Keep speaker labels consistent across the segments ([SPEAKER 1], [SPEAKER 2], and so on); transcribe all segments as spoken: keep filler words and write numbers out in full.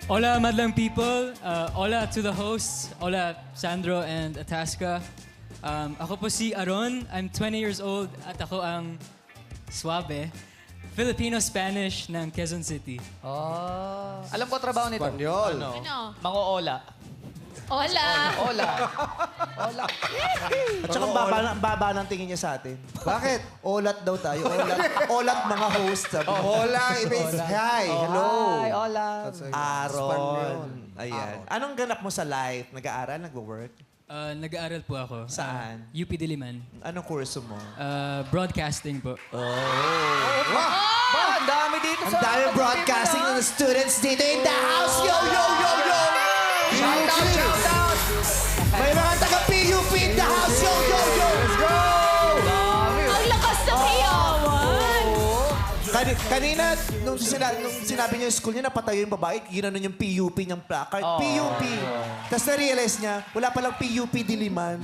[SPEAKER 1] Hola, Madlang people. Uh, hola to the hosts. Hola, Sandro and Atasca. Um, ako po si Aron. I'm twenty years old at ako ang Suabe, Filipino-Spanish ng Quezon City.
[SPEAKER 2] Oh. Alam ko trabaho nito.
[SPEAKER 3] Espanyol.
[SPEAKER 2] Ano?
[SPEAKER 4] Ano?
[SPEAKER 2] Mango-ola.
[SPEAKER 4] Hola!
[SPEAKER 2] Ola. Ola.
[SPEAKER 5] At saka ang baba, ang baba ng tingin niya sa atin.
[SPEAKER 3] Bakit?
[SPEAKER 5] Olat daw tayo. Olat, olat mga host. Sabi.
[SPEAKER 3] Hola, it means hi. Hello.
[SPEAKER 2] Hi, Ola.
[SPEAKER 3] That's a-
[SPEAKER 5] Aron.
[SPEAKER 3] Espanyol.
[SPEAKER 5] Ayan.
[SPEAKER 3] Aron.
[SPEAKER 5] Anong ganap mo sa life? Nag-aaral? Nagwo-work?
[SPEAKER 1] Uh, nag-aaral po ako.
[SPEAKER 5] Saan?
[SPEAKER 1] Uh, U P Diliman.
[SPEAKER 5] Anong kurso mo?
[SPEAKER 1] Uh, broadcasting po.
[SPEAKER 2] Ba, ang dami dito
[SPEAKER 5] Ang
[SPEAKER 2] sa...
[SPEAKER 5] dami broadcasting ng students dito in the house. Yo, yo, yo, yo!
[SPEAKER 2] Shout out, shout out!
[SPEAKER 5] May mga taga-P U P in the house. Yo, yo, yo! Let's go!
[SPEAKER 4] Ang lakas ng iyawan!
[SPEAKER 5] Kani- kanina, nung, sina- nung sinabi niya yung school niya, napatayo yung babae, ginanon yung P U P niyang placard.
[SPEAKER 2] Oh.
[SPEAKER 5] P U P. Tapos na-realize niya, wala palang P U P Diliman.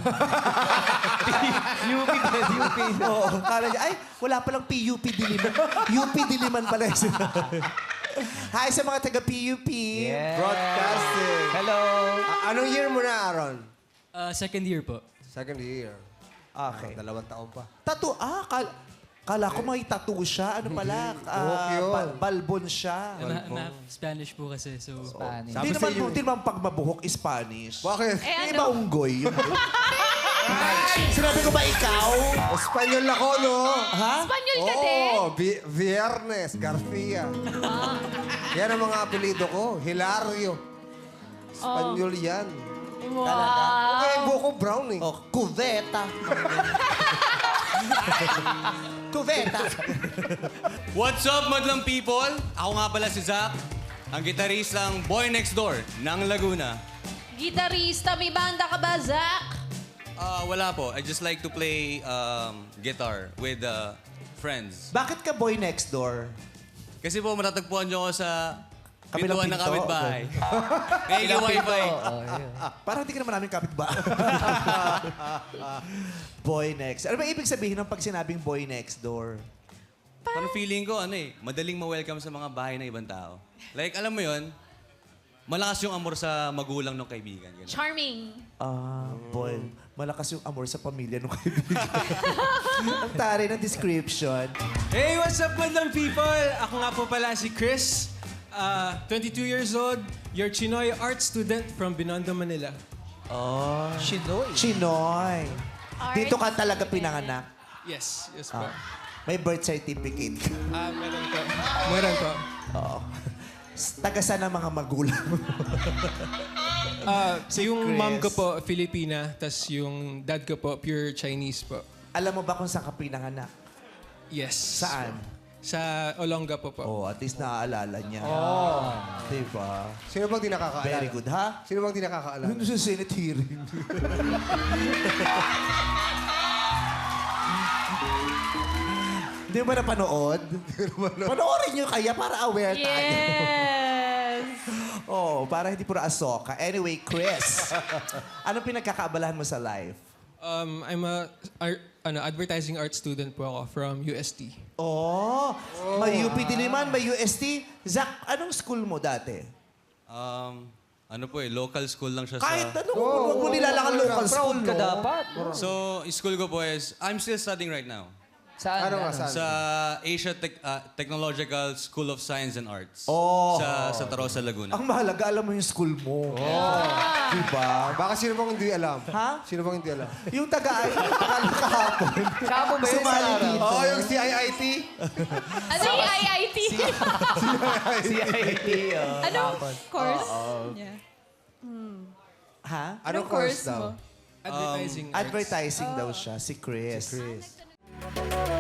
[SPEAKER 2] U P, U P.
[SPEAKER 5] Oo. Kala niya, ay, wala palang P U P Diliman. U P Diliman pala yung sinabi. Hi sa mga taga-P U P.
[SPEAKER 2] Yeah.
[SPEAKER 3] Broadcasting.
[SPEAKER 2] Hello.
[SPEAKER 3] A- anong year mo na, Aaron?
[SPEAKER 1] Uh, second year po.
[SPEAKER 3] Second year.
[SPEAKER 5] Okay.
[SPEAKER 3] Ah, dalawang taon pa.
[SPEAKER 5] Tattoo, ah, kal kala ko may tattoo siya. Ano pala?
[SPEAKER 3] Buhok
[SPEAKER 5] Ah,
[SPEAKER 3] yun.
[SPEAKER 5] ba- balbon siya.
[SPEAKER 1] Ma- ma- Spanish po kasi, so...
[SPEAKER 2] Spanish.
[SPEAKER 5] Hindi naman, hindi naman pag mabuhok, Spanish.
[SPEAKER 3] Bakit?
[SPEAKER 4] Eh
[SPEAKER 5] Hindi ba
[SPEAKER 4] ano?
[SPEAKER 5] unggoy? Sinabi ko ba ikaw?
[SPEAKER 3] Espanyol ako, no?
[SPEAKER 5] Ha?
[SPEAKER 4] Espanyol ka din?
[SPEAKER 3] Oo, Vi- Viernes, Garcia. Yan ang mga apelido ko. Hilario. Espanyol yan.
[SPEAKER 4] Wow!
[SPEAKER 3] Okay, buko brown eh.
[SPEAKER 5] Oh, cuveta. Cuveta.
[SPEAKER 6] What's up, madlang people? Ako nga pala si Zach, ang gitaristang Boy Next Door ng Laguna.
[SPEAKER 4] Gitarista, may banda ka ba, Zach?
[SPEAKER 6] Ah, wala po. I just like to play um, guitar with uh, friends.
[SPEAKER 5] Bakit ka boy next door?
[SPEAKER 6] Kasi po matatagpuan niyo ako sa
[SPEAKER 5] Kabilang
[SPEAKER 6] pintuan ng
[SPEAKER 5] pinto?
[SPEAKER 6] kapitbahay. May yung wifi.
[SPEAKER 2] Oh, yeah.
[SPEAKER 5] Parang hindi ka naman namin kapit ba? Boy next. Ano ba ibig sabihin ng pag sinabing boy next door?
[SPEAKER 6] Parang feeling ko, ano eh, madaling ma-welcome sa mga bahay ng ibang tao. Like, alam mo yon, malakas yung amor sa magulang ng kaibigan. Ganun.
[SPEAKER 4] Charming.
[SPEAKER 5] Ah, boy. Malakas yung amor sa pamilya ng kaibigan. Ang tari ng description.
[SPEAKER 7] Hey, what's up, madlang people? Ako nga po pala si Chris, uh, twenty-two years old, your Chinoy art student from Binondo, Manila.
[SPEAKER 5] Oh.
[SPEAKER 2] Shinoy.
[SPEAKER 5] Chinoy.
[SPEAKER 4] Art
[SPEAKER 5] Dito ka talaga pinanganak.
[SPEAKER 7] Yes, yes po.
[SPEAKER 5] Ah. May birth certificate.
[SPEAKER 7] Ah, meron po. Meron po.
[SPEAKER 5] Oo. Taga saan ang mga magulang?
[SPEAKER 7] Ah, yung
[SPEAKER 5] Chris.
[SPEAKER 7] mom ko po, Filipina, tas yung dad ko po, pure Chinese po.
[SPEAKER 5] Alam mo ba kung saan ka pinanganak?
[SPEAKER 7] Yes.
[SPEAKER 5] Saan?
[SPEAKER 7] Sa Olonga po po.
[SPEAKER 5] Oh, at least naaalala niya. Oh. Diba?
[SPEAKER 3] Sino bang di nakakaalala?
[SPEAKER 5] Very good, ha?
[SPEAKER 3] Sino bang di nakakaalala?
[SPEAKER 5] Ano sa Senate hearing? Hindi mo ba napanood? Panoorin nyo kaya para aware tayo.
[SPEAKER 4] Yes!
[SPEAKER 5] Oh, para hindi puro asoka. Anyway, Chris, anong pinagkakaabalahan mo sa life?
[SPEAKER 7] Um, I'm a art, ano, advertising art student po ako from U S T.
[SPEAKER 5] Oh, may U P Diliman, may U S T. Zach, anong school mo dati?
[SPEAKER 6] Um, ano po eh, local school lang siya
[SPEAKER 5] Kahit
[SPEAKER 6] sa...
[SPEAKER 5] ano, huwag mo nilalang local school,
[SPEAKER 2] Proud ka
[SPEAKER 5] no?
[SPEAKER 2] dapat.
[SPEAKER 6] So, school ko po is, I'm still studying right now.
[SPEAKER 2] Saan?
[SPEAKER 3] Ano nga, saan?
[SPEAKER 6] Sa Asia Tech- uh, Technological School of Science and Arts.
[SPEAKER 5] Oh.
[SPEAKER 6] Sa Santa Rosa, Laguna.
[SPEAKER 5] Ang mahalaga, alam mo yung school mo. Oh. Diba?
[SPEAKER 3] Baka sino bang hindi alam?
[SPEAKER 5] Ha?
[SPEAKER 3] Sino bang hindi alam?
[SPEAKER 5] Yung taga-ay, kahapon.
[SPEAKER 2] Kamo ba yun sa
[SPEAKER 5] Sumali
[SPEAKER 2] araw?
[SPEAKER 5] dito.
[SPEAKER 3] Oo, yung C I I T.
[SPEAKER 4] Ano yung I I T?
[SPEAKER 2] C I T. oh.
[SPEAKER 4] Anong course? niya?
[SPEAKER 5] Ha?
[SPEAKER 3] Anong course daw?
[SPEAKER 7] Advertising arts.
[SPEAKER 5] Advertising daw siya, si Chris.
[SPEAKER 3] Chris.